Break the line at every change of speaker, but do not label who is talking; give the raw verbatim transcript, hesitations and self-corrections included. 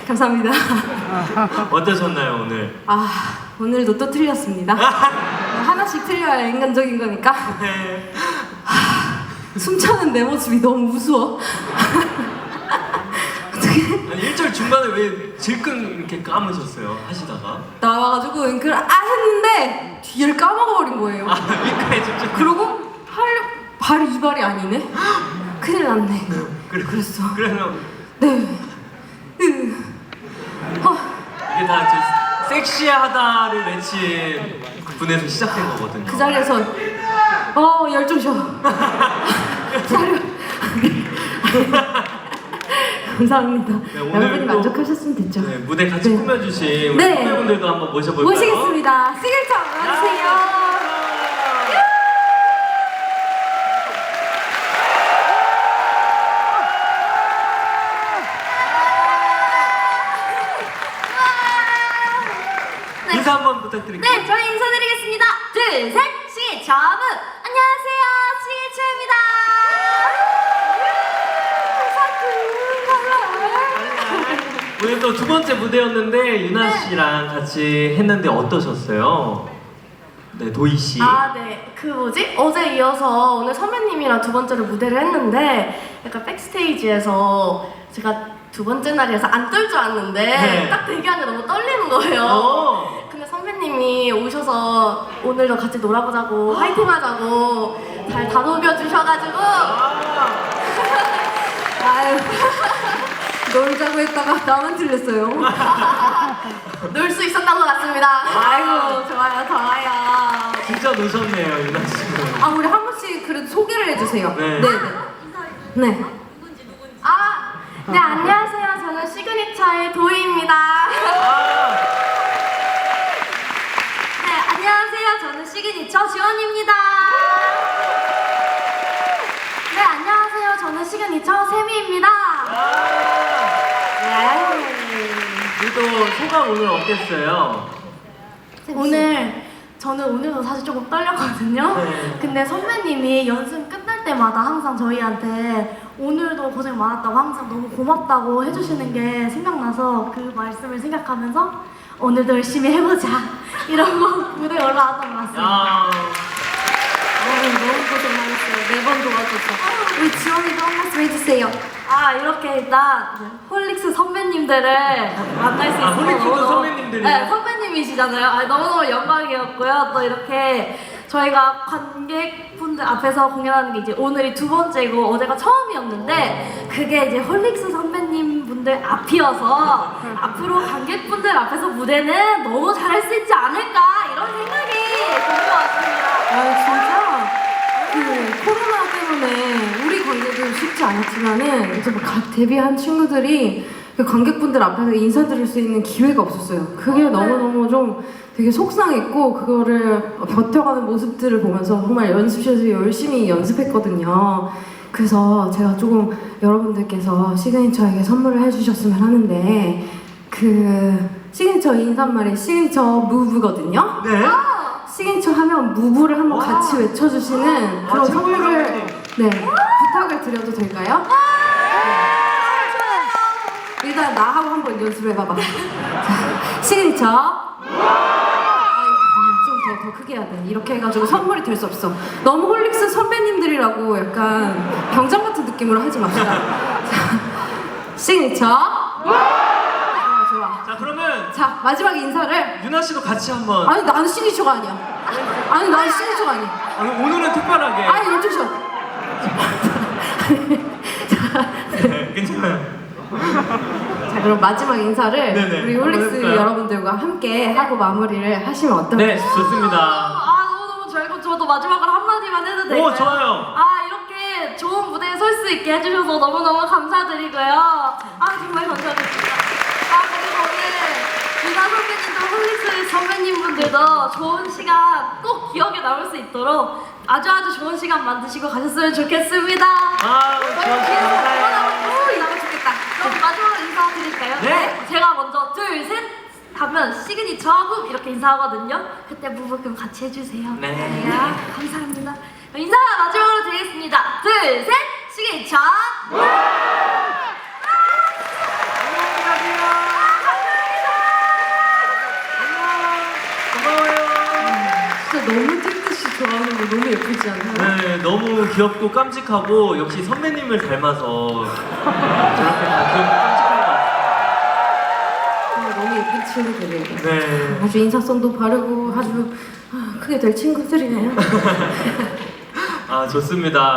감사합니다.
어떠셨나요 오늘?
아, 오늘도 또 틀렸습니다. 하나씩 틀려야 인간적인 거니까.
네.
숨차는 내 모습이 너무 무서워.
아니 일 절 중간에 왜 질끈 이렇게 감으셨어요? 하시다가
나와가지고 윙크를 아 했는데 뒤를 까먹어버린 거예요.
아 윙크에 집중.
그러고 하려 발이 이 발이 아니네. 큰일 났네.
그래,
그랬어.
그러면
네. 으. 어.
이게 다 저 섹시하다를 외친 분에서 시작된 거거든요.
그 자리에서 어 열중셔. 사려. 감사합니다.
네, 오늘
여러분이
또,
만족하셨으면 됐죠.
네, 무대 같이
네.
꾸며주신 우리
네.
선배분들도 한번 모셔볼까요?
모시겠습니다. 시글처 와주세요.
네. 인사 한번 부탁드릴게요.
네, 저희 인사드리겠습니다. 둘, 셋, 시글처 무. 안녕하세요, 시글처입니다.
오늘 또 두 번째 무대였는데 유나
네.
씨랑 같이 했는데 어떠셨어요? 네, 도희 씨.
아, 네. 그 뭐지? 어제 이어서 오늘 선배님이랑 두 번째로 무대를 했는데 약간 백스테이지에서 제가 두 번째 날이라서 안 떨 줄 알았는데
네.
딱 대기하는데 너무 떨리는 거예요.
어.
근데 선배님이 오셔서 오늘도 같이 놀아보자고 화이팅 하자고 잘 다독여 주셔가지고
아.
아유, 놀자고 했다가 나만 틀렸어요.
놀 수 있었던 것 같습니다.
아이고, 좋아요, 좋아요.
진짜 노셨네요, 유나 씨.
아, 우리 한 분씩 그래도 소개를 해주세요.
네.
네, 네. 네.
아, 네, 안녕하세요. 저는 시그니처의 도희입니다.
아.
네, 안녕하세요. 저는 시그니처 지원입니다. 네, 안녕하세요. 저는 시그니처 세미입니다.
네.
그래도 소감 오늘 어땠어요?
오늘 저는 오늘도 사실 조금 떨렸거든요.
네.
근데 선배님이 연습 끝날 때마다 항상 저희한테 오늘도 고생 많았다고 항상 너무 고맙다고 해주시는 게 생각나서 그 말씀을 생각하면서 오늘도 열심히 해보자 이러고 무대에 올라왔던 것 같습니다.
야.
아유, 너무 고생 많았어요. 매번 도와줘서. 우리 지원이도 한 말씀 해주세요.
아, 이렇게 일단 홀릭스 선배님들을 만날 수
아,
있어서
홀릭스도
너무너무-
선배님들이요?
네, 선배님이시잖아요. 아, 너무너무 영광이었고요. 또 이렇게 저희가 관객분들 앞에서 공연하는 게 이제 오늘이 두 번째고 어제가 처음이었는데 그게 이제 홀릭스 선배님 분들 앞이어서 앞으로 관객분들 앞에서 무대는 너무 잘할 수 있지 않을까 이런 생각이 드는 것 같습니다.
아, 진짜 그 코로나 때문에 우리 관객은 쉽지 않았지만은 이제 뭐각 데뷔한 친구들이 그 관객분들 앞에서 인사드릴 수 있는 기회가 없었어요. 그게 너무너무 좀 되게 속상했고 그거를 버텨가는 모습들을 보면서 정말 연습실에서 열심히 연습했거든요. 그래서 제가 조금 여러분들께서 시그니처에게 선물을 해주셨으면 하는데 그 시그니처 인사말이 시그니처 무브거든요.
네.
시그니처 하면 무브를 한번
와.
같이 외쳐주시는
와,
그런
최고의
선물을
선배님.
네 부탁을 드려도 될까요? 네. 일단 나하고 한번 연습해봐봐. 자, 시그니처. 좀 더 더 크게 해야 돼. 이렇게 해가지고 선물이 될 수 없어. 너무 홀릭스 선배님들이라고 약간 병장 같은 느낌으로 하지 맙시다. 자, 시그니처. 좋아 좋아.
자 그러면
자 마지막 인사를.
유나 씨도 같이 한번.
아니 나는 시그니처가 아니야. 아니 나는 시그니처가 아니야.
아니, 오늘은 특별하게.
아니 연주 쇼.
네, 괜찮아요.
자 그럼 마지막 인사를
네네.
우리 홀릭스
한번 해볼까요?
여러분들과 함께 하고 마무리를 하시면 어떨까요?
네, 좋습니다.
아, 너무너무 좋고 저도 마지막으로 한마디만 해도 될까요?
오, 좋아요.
아, 이렇게 좋은 무대에 설 수 있게 해주셔서 너무너무 감사드리고요. 아, 정말 감사드립니다. 아, 그리고 오늘 유나 선배님도 홀릭스 선배님분들도 좋은 시간 꼭 기억에 남을 수 있도록 아주 아주 좋은 시간 만드시고 가셨으면 좋겠습니다.
아,
너무
좋아,
길어서
감사해요.
너무 나면 좋겠다. 그럼 마지막으로 인사드릴까요?
네.
제가 먼저 둘, 셋 하면 시그니처 무 이렇게 인사하거든요. 그때 무브 그럼 같이 해주세요.
네.
아, 감사합니다. 인사 마지막으로 드리겠습니다. 둘, 셋 시그니처 무!
안녕히 가세요.
너무 예쁘지 않나요?
네, 너무 귀엽고 깜찍하고 역시 선배님을 닮아서 저렇게 다 귀엽고 깜찍한 것 같아요.
정말 너무 예쁜 친구들이에요.
네.
아주 인사성도 바르고 아주 아, 크게 될 친구들이네요.
아, 좋습니다.